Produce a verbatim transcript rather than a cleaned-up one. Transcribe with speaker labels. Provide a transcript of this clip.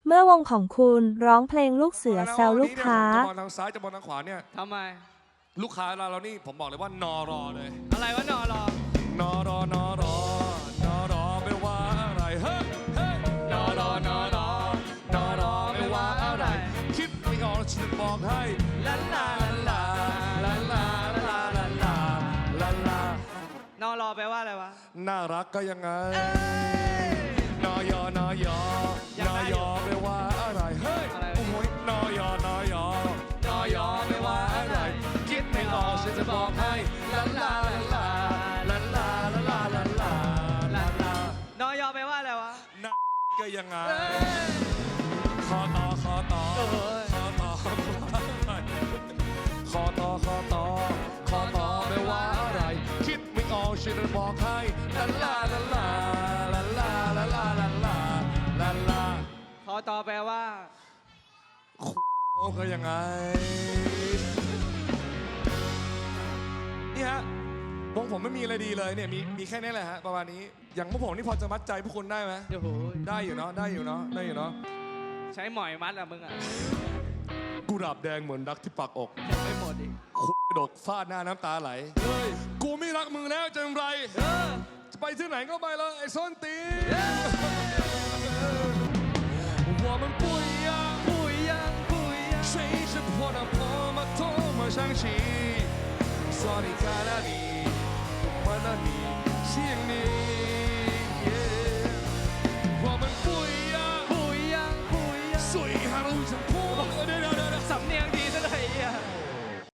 Speaker 1: เมื่อวงของคุณร้องเพลงลูกเสือแซวลูกค้า
Speaker 2: จะบอลทางซ้ายจะบอลทางขวาเนี่ย
Speaker 3: ทำไม
Speaker 2: ลูกค้าเราเรานี่ผมบอกเลยว่านอรอเลย
Speaker 3: อะไรวะนอรอน
Speaker 2: อรอนอรอนอรอไม่ว่าอะไรเฮ้ยเฮ้ยนอรอนอรอนอรอไม่ว่าอะไรคิดไม่ออกฉันบอกให้ลาลาลาลาลาลาลาลาลาลาน
Speaker 3: อรอแปลว่าอะไรวะ
Speaker 2: น่ารักก็ยังไงนอยอนอยอนอยอไม่ว่าอะไรเฮ้ยโอ้โหนอยอนอยอนอยอไม่ว่าอะไรคิดไม่ออกฉันจะบอกให้ลาลาลาลาลาลาลาลาลาลาลาน
Speaker 3: อยอแปลว่าอะไรวะ
Speaker 2: น่าก็ยังไงคอต่อคอต่อคอต่อคอต่อคอต่อคอต่อไม่ว่าอะไรคิดไม่ออกฉันจะบอกให้ลาลาลาลาลาลาลาลาลาลาลาลา
Speaker 3: คอต่อแปลว่า
Speaker 2: โอ้ก็ยังไงนี่ฮะวงผมไม่มีอะไรดีเลยเนี่ยมีมีแค่นี้แหละฮะประมาณนี้อย่างพวกผมนี่พอจะมัดใจพวกคุณได้ไหม
Speaker 3: โอ้โห
Speaker 2: ได้อยู่เนาะได้อยู่เนาะได้อยู่เนาะ
Speaker 3: ใช้หมอยมัดอะมึงอะ
Speaker 2: กุหลาบแดงเหมือนรักที่ปากอก
Speaker 3: ยังไม่หมดอีก
Speaker 2: คุยดกฟาดหน้าน้ำตาไหลเฮ้ยกูไม่รักมึงแล้วจะทำไรจะไปที่ไหนก็ไปแล้วไอ้ส้นตี我们不一样
Speaker 3: 不一样不一样
Speaker 2: 谁是破的破吗多么伤心说离开了你我们的你想你